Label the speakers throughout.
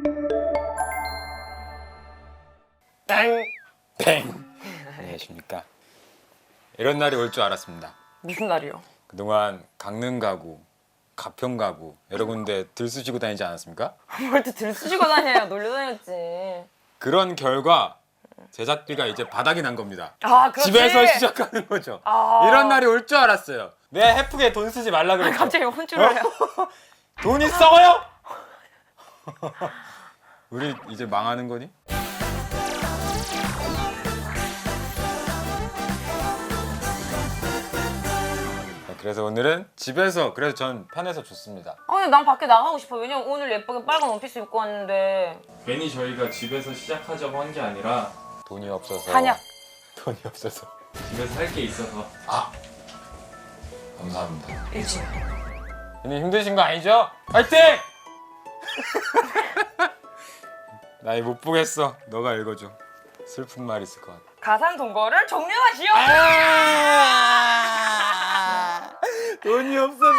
Speaker 1: 땡!
Speaker 2: 땡! 안녕하십니까. 이런 날이 올 줄 알았습니다.
Speaker 1: 무슨 날이요?
Speaker 2: 그동안 강릉 가구, 가평 가구 여러 군데 들쑤시고 다니지 않았습니까?
Speaker 1: 뭘 또 들쑤시고 다녀요. 놀려다녔지.
Speaker 2: 그런 결과 제작비가 이제 바닥이 난 겁니다.
Speaker 1: 아, 그렇지.
Speaker 2: 집에서 시작하는 거죠.
Speaker 1: 아.
Speaker 2: 이런 날이 올 줄 알았어요. 내가 해프게 돈 쓰지 말라 그랬죠.
Speaker 1: 갑자기 혼쭐을 해요.
Speaker 2: 돈이 썩어요? 우리 이제 망하는 거니? 그래서 오늘은 집에서, 그래서 전 편해서 좋습니다.
Speaker 1: 근데 난 밖에 나가고 싶어. 왜냐면 오늘 예쁘게 빨간 원피스 입고 왔는데.
Speaker 2: 괜히 저희가 집에서 시작하자고 한 게 아니라 돈이 없어서.
Speaker 1: 한약.
Speaker 2: 돈이 없어서. 집에서 할 게 있어서. 감사합니다.
Speaker 1: 일찍.
Speaker 2: 괜히 힘드신 거 아니죠? 파이팅! 나 이거 못 보겠어. 너가 읽어줘. 슬픈 말 있을 것 같아.
Speaker 1: 가상 동거를 종료하시오.
Speaker 2: 돈이 없어서.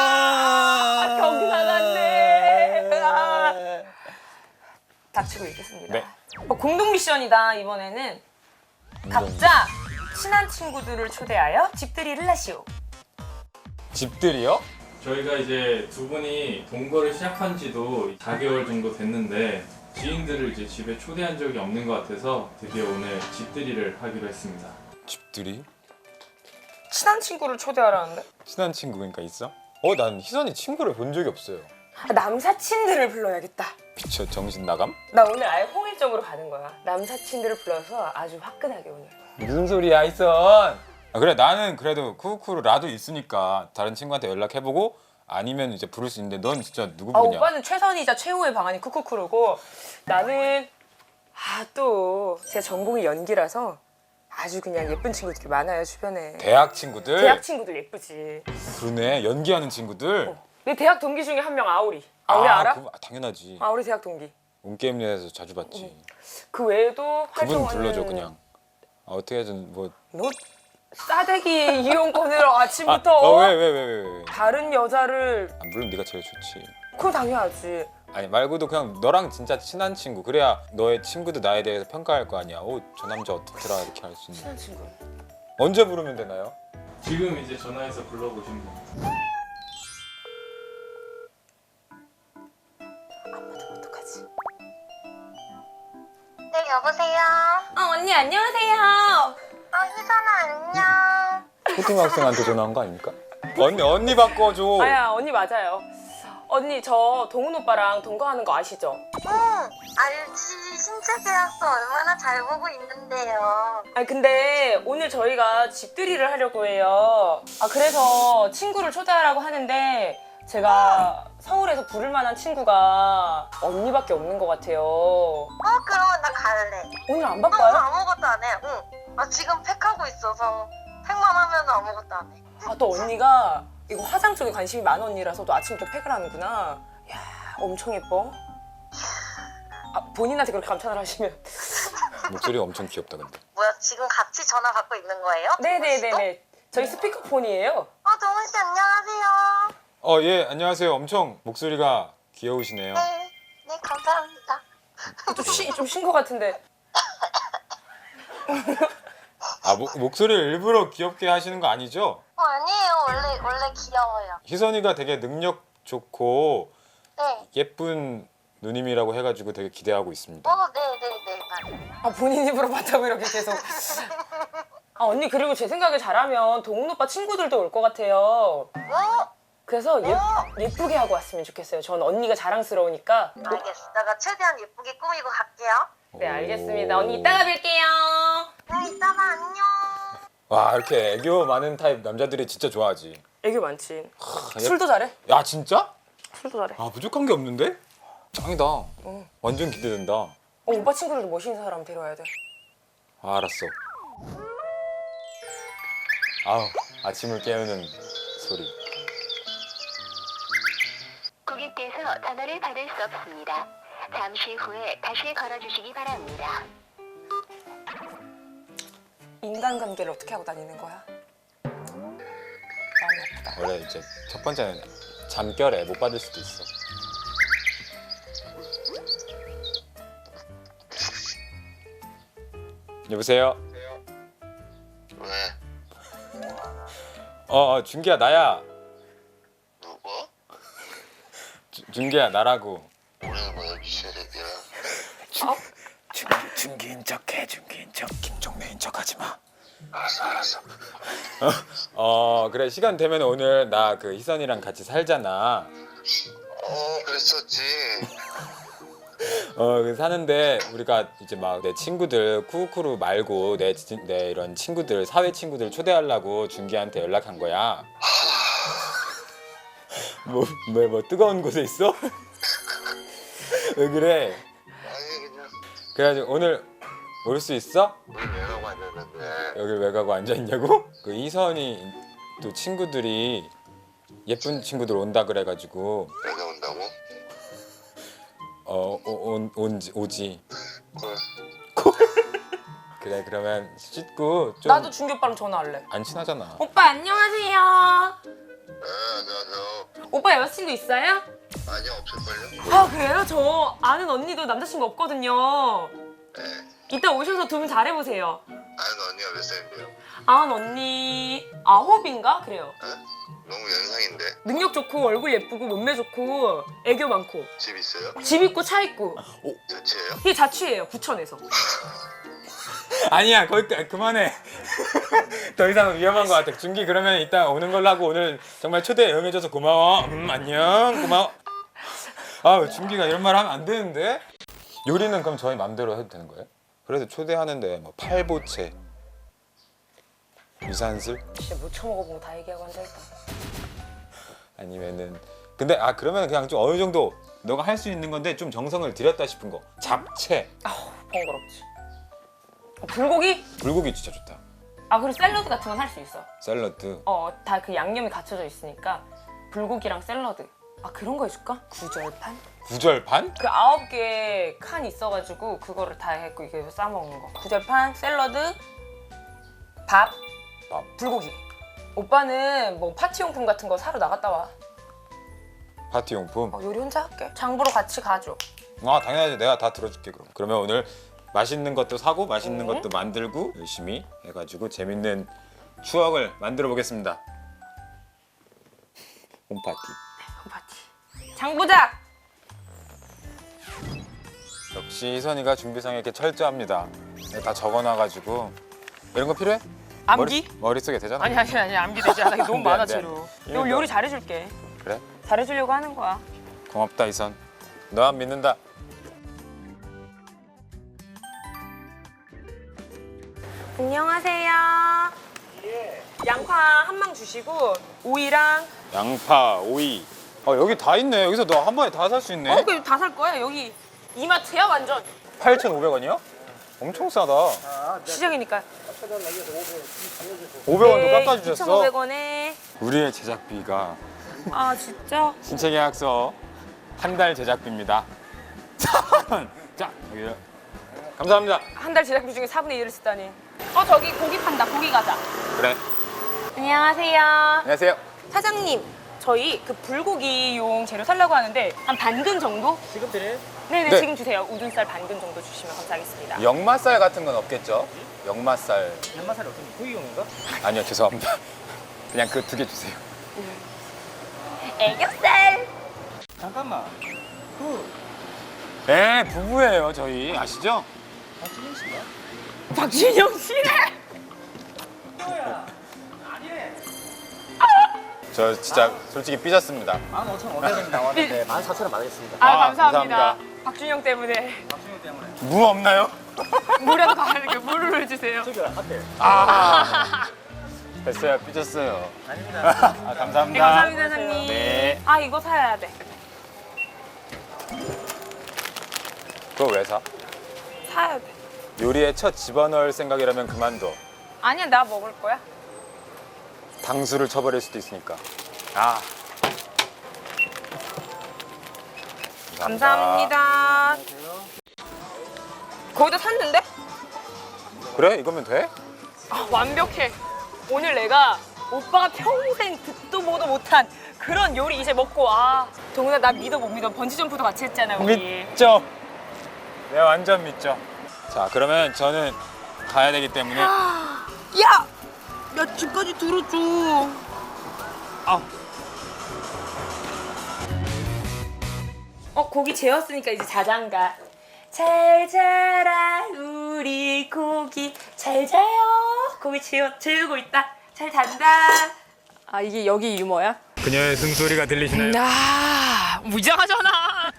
Speaker 1: 경사났네. 닥치고 있겠습니다.
Speaker 2: 네.
Speaker 1: 공동 미션이다. 이번에는 각자 친한 친구들을 초대하여 집들이를 하시오.
Speaker 2: 집들이요?
Speaker 3: 저희가 이제 두 분이 동거를 시작한 지도 4개월 정도 됐는데 지인들을 이제 집에 초대한 적이 없는 것 같아서 드디어 오늘 집들이를 하기로 했습니다.
Speaker 2: 집들이?
Speaker 1: 친한 친구를 초대하라는데?
Speaker 2: 친한 친구 그러니까 있어? 난 희선이 친구를 본 적이 없어요.
Speaker 1: 남사친들을 불러야겠다.
Speaker 2: 미쳐 정신 나감?
Speaker 1: 나 오늘 아예 홍일점으로 가는 거야. 남사친들을 불러서 아주 화끈하게 오늘.
Speaker 2: 무슨 소리야 희선? 그래 나는 그래도 쿠쿠쿠로 라도 있으니까 다른 친구한테 연락해보고 아니면 이제 부를 수 있는데 넌 진짜 누구 부르냐?
Speaker 1: 오빠는 최선이자 최후의 방안이 쿠쿠쿠르고 나는 또 제 전공이 연기라서 아주 그냥 예쁜 친구들이 많아요 주변에.
Speaker 2: 대학 친구들?
Speaker 1: 대학 친구들 예쁘지.
Speaker 2: 그러네 연기하는 친구들?
Speaker 1: 내 대학 동기 중에 한 명 아우리. 아우리 알아?
Speaker 2: 당연하지.
Speaker 1: 아우리 대학 동기.
Speaker 2: 온게임내에서 자주 봤지.
Speaker 1: 그 외에도
Speaker 2: 그분
Speaker 1: 활동하는.
Speaker 2: 불러줘 그냥. 어떻게든 뭐.
Speaker 1: 너 싸대기 이용권으로 아침부터
Speaker 2: 왜?
Speaker 1: 다른 여자를.
Speaker 2: 물론 네가 제일 좋지.
Speaker 1: 그거 당연하지.
Speaker 2: 아니 말고도 그냥 너랑 진짜 친한 친구. 그래야 너의 친구도 나에 대해서 평가할 거 아니야. 저 남자 어떻더라 이렇게 할 수 있는.
Speaker 1: 친한 친구.
Speaker 2: 언제 부르면 되나요?
Speaker 3: 지금 이제 전화해서 불러보시면 됩니다.
Speaker 1: 어떡하지?
Speaker 4: 네, 여보세요?
Speaker 1: 언니 안녕하세요.
Speaker 4: 희선아, 안녕.
Speaker 2: 초등학생한테 전화한 거 아닙니까? 언니 바꿔줘.
Speaker 1: 아야 언니 맞아요. 언니 저 동훈 오빠랑 동거하는 거 아시죠?
Speaker 4: 응, 알지. 신체 계약서 얼마나 잘 보고 있는데요.
Speaker 1: 근데 오늘 저희가 집들이를 하려고 해요. 그래서 친구를 초대하라고 하는데 제가 서울에서 부를 만한 친구가 언니밖에 없는 것 같아요.
Speaker 4: 그러면 나 갈래.
Speaker 1: 오늘 안
Speaker 4: 오늘
Speaker 1: 바빠요?
Speaker 4: 아무것도 안 해. 응. 지금 팩하고 있어서 팩만 하면 아무것도 안 해.
Speaker 1: 또 언니가 이거 화장 쪽에 관심이 많은 언니라서 또 아침부터 팩을 하는구나. 이야 엄청 예뻐. 본인한테 그렇게 감탄을 하시면.
Speaker 2: 목소리가 엄청 귀엽다 근데.
Speaker 4: 뭐야, 지금 같이 전화 받고 있는 거예요?
Speaker 1: 네네네네. 저희 스피커폰이에요.
Speaker 4: 동훈 씨, 안녕하세요.
Speaker 2: 예 안녕하세요. 엄청 목소리가 귀여우시네요.
Speaker 4: 네, 감사합니다.
Speaker 1: 좀 쉰 것 같은데.
Speaker 2: 목소리를 일부러 귀엽게 하시는 거 아니죠?
Speaker 4: 아니에요. 원래 귀여워요.
Speaker 2: 희선이가 되게 능력 좋고
Speaker 4: 네.
Speaker 2: 예쁜 누님이라고 해가지고 되게 기대하고 있습니다.
Speaker 4: 네네네, 맞아요.
Speaker 1: 본인 입으로 봤다고 이렇게 계속. 언니 그리고 제 생각에 잘하면 동훈 오빠 친구들도 올 것 같아요. 그래서 예쁘게 하고 왔으면 좋겠어요. 전 언니가 자랑스러우니까.
Speaker 4: 알겠어. 내가 최대한 예쁘게 꾸미고 갈게요.
Speaker 1: 네 알겠습니다. 언니 이따가 뵐게요.
Speaker 4: 네, 이따가 안녕.
Speaker 2: 와 이렇게 애교 많은 타입 남자들이 진짜 좋아하지.
Speaker 1: 애교 많지.
Speaker 2: 하,
Speaker 1: 술도 잘해.
Speaker 2: 야 진짜?
Speaker 1: 술도 잘해.
Speaker 2: 부족한 게 없는데? 짱이다. 완전 기대된다.
Speaker 1: 오빠 친구들도 멋있는 사람 데려와야 돼.
Speaker 2: 알았어. 아침을 깨우는 소리.
Speaker 5: 고객께서 전화를 받을 수 없습니다. 잠시 후에 다시 걸어주시기 바랍니다.
Speaker 1: 인간관계를 어떻게 하고 다니는 거야? 마음이 아프다.
Speaker 2: 원래 이제 첫 번째는 잠결에 못 받을 수도 있어. 여보세요?
Speaker 6: 왜?
Speaker 2: 준기야 나야.
Speaker 6: 누구?
Speaker 2: 준기야 나라고.
Speaker 6: 우리는 뭐야 미쉐렉이야.
Speaker 2: 준기인 척해. 준기인 척. 김종래인 척하지 마.
Speaker 6: 알았어.
Speaker 2: 그래 시간 되면 오늘 나 그 희선이랑 같이 살잖아.
Speaker 6: 그랬었지.
Speaker 2: 그 사는데 우리가 이제 막 내 친구들 쿠쿠루 말고 내 이런 친구들 사회 친구들 초대하려고 준기한테 연락한 거야. 뭐 뜨거운 곳에 있어? 왜 그래?
Speaker 6: 아니 그냥
Speaker 2: 그래가지고 오늘 올 수 있어?
Speaker 6: 우리 왜 가고 앉았는데.
Speaker 2: 여길 왜 가고 앉아 있냐고? 그 희선이 또 친구들이 예쁜 친구들 온다 그래가지고
Speaker 6: 내가 온다고?
Speaker 2: 오지.
Speaker 6: 그래.
Speaker 2: 그래 그러면 씻고 좀
Speaker 1: 나도 준기 오빠랑 전화할래.
Speaker 2: 안 친하잖아.
Speaker 1: 오빠 안녕하세요.
Speaker 6: 안녕하세요.
Speaker 1: 오빠 여자친구 있어요?
Speaker 6: 아니 없을걸요?
Speaker 1: 아 그래요? 저 아는 언니도 남자친구 없거든요.
Speaker 6: 네.
Speaker 1: 이따 오셔서 두 분 잘해보세요.
Speaker 6: 아는 언니가 몇 살인데요?
Speaker 1: 아는 언니 9인가? 그래요.
Speaker 6: 너무 연상인데.
Speaker 1: 능력 좋고 얼굴 예쁘고 몸매 좋고 애교 많고
Speaker 6: 집 있어요?
Speaker 1: 집 있고 차 있고
Speaker 6: 자취해요?
Speaker 1: 이게 자취예요 부천에서.
Speaker 2: 아니야 거기까지 그만해. 더 이상 위험한 것 같아. 준기 그러면 이따 오는 걸로 하고 오늘 정말 초대 응해줘서 고마워. 안녕 고마워. 준기가 이런 말 하면 안 되는데. 요리는 그럼 저희 맘대로 해도 되는 거예요? 그래도 초대하는데 뭐 팔보채 유산슬
Speaker 1: 진짜 못 처먹어보고 다 얘기하고 앉아있다.
Speaker 2: 아니면은 근데 그러면 그냥 좀 어느 정도 너가 할 수 있는 건데 좀 정성을 들였다 싶은 거 잡채
Speaker 1: 번거롭지. 불고기?
Speaker 2: 불고기 진짜 좋다.
Speaker 1: 그리고 샐러드 같은 건 할 수 있어.
Speaker 2: 샐러드
Speaker 1: 다 그 양념이 갖춰져 있으니까 불고기랑 샐러드. 그런 거 해줄까? 구절판?
Speaker 2: 구절반?
Speaker 1: 그 9개 칸 있어가지고 그거를 다 했고 이게 싸먹는 거. 구절판, 샐러드, 밥, 불고기. 오빠는 뭐 파티용품 같은 거 사러 나갔다 와.
Speaker 2: 파티용품?
Speaker 1: 요리 혼자 할게. 장 보러 같이 가줘.
Speaker 2: 당연하지. 내가 다 들어줄게. 그러면 오늘 맛있는 것도 사고 맛있는 것도 만들고 열심히 해가지고 재밌는 추억을 만들어 보겠습니다. 홈파티.
Speaker 1: 홈파티. 장 보자!
Speaker 2: 역시 희선이가 준비상에 이렇게 철저합니다. 다 적어놔가지고 이런 거 필요해?
Speaker 1: 암기?
Speaker 2: 머릿속에 되잖아.
Speaker 1: 아니 암기 되지 않아. 너무
Speaker 2: 안 돼,
Speaker 1: 많아
Speaker 2: 안 돼.
Speaker 1: 재료.
Speaker 2: 이거
Speaker 1: 요리 잘해줄게.
Speaker 2: 그래?
Speaker 1: 잘해주려고 하는 거야.
Speaker 2: 고맙다 희선. 너만 믿는다.
Speaker 1: 안녕하세요. 양파 한 망 주시고 오이랑
Speaker 2: 양파, 오이. 여기 다 있네. 여기서 너 한 번에 다 살 수 있네.
Speaker 1: 그럼 다 살 거야. 여기 이마트야 완전.
Speaker 2: 8,500원이요? 엄청 싸다.
Speaker 1: 시작이니까.
Speaker 2: 500원도 깎아주셨어.
Speaker 1: 2,500원에.
Speaker 2: 우리의 제작비가
Speaker 1: 진짜?
Speaker 2: 신체 계약서 한 달 제작비입니다. 자, 여기 감사합니다.
Speaker 1: 한 달 제작비 중에 4분의 1을 쓰다니. 저기 고기 판다. 고기 가자.
Speaker 2: 그래.
Speaker 1: 안녕하세요.
Speaker 2: 안녕하세요.
Speaker 1: 사장님, 저희 그 불고기용 재료 살려고 하는데 한 반근 정도?
Speaker 7: 지금 드려요?
Speaker 1: 네네,
Speaker 2: 네.
Speaker 1: 지금 주세요. 우둔살 반근 정도 주시면 감사하겠습니다.
Speaker 2: 역맛살 같은 건 없겠죠? 역맛살.
Speaker 7: 연마살이 어떤 구이용인가?
Speaker 2: 아니요, 죄송합니다. 그냥 그 2개 주세요.
Speaker 1: 애교살.
Speaker 7: 잠깐만.
Speaker 2: 네, 부부예요, 저희. 아시죠?
Speaker 7: 박진영 씨인가?
Speaker 1: 박준영 씨.
Speaker 7: 뭐야? 아니래.
Speaker 2: 저 진짜 솔직히 삐졌습니다.
Speaker 7: 15,500원 나왔는데 14,000원 받겠습니다.
Speaker 1: 감사합니다.
Speaker 2: 감사합니다.
Speaker 1: 박준영 때문에
Speaker 7: 박진영 때문에.
Speaker 2: 무 없나요?
Speaker 1: 물에도 가는데 물을 주세요.
Speaker 7: 저기 앞에.
Speaker 2: 됐어요, 삐졌어요.
Speaker 7: 아닙니다.
Speaker 2: 감사합니다.
Speaker 1: 네, 감사합니다, 사장님.
Speaker 2: 네.
Speaker 1: 이거 사야 돼.
Speaker 2: 그거 왜 사?
Speaker 1: 사야 돼.
Speaker 2: 요리에 첫 집어넣을 생각이라면 그만둬.
Speaker 1: 아니야, 나 먹을 거야.
Speaker 2: 당수를 쳐버릴 수도 있으니까.
Speaker 1: 감사합니다. 거기다 샀는데?
Speaker 2: 그래? 이거면 돼?
Speaker 1: 완벽해. 오늘 내가 오빠가 평생 듣도 보도 못한 그런 요리 이제 먹고 동훈아 나 믿어 못 믿어. 번지점프도 같이 했잖아 우리.
Speaker 2: 믿죠? 네, 완전 믿죠. 자, 그러면 저는 가야 되기 때문에.
Speaker 1: 야! 야, 집까지 들어줘.
Speaker 2: 아,
Speaker 1: 고기 재웠으니까 이제 자장가. 잘 자라 우리 고기 잘 자요. 고기 재우고 있다. 잘 잔다. 아, 이게 여기 유머야?
Speaker 2: 그녀의 숨소리가 들리시나요?
Speaker 1: 아, 무장하잖아.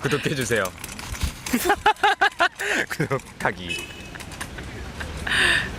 Speaker 2: 구독해주세요. 구독하기.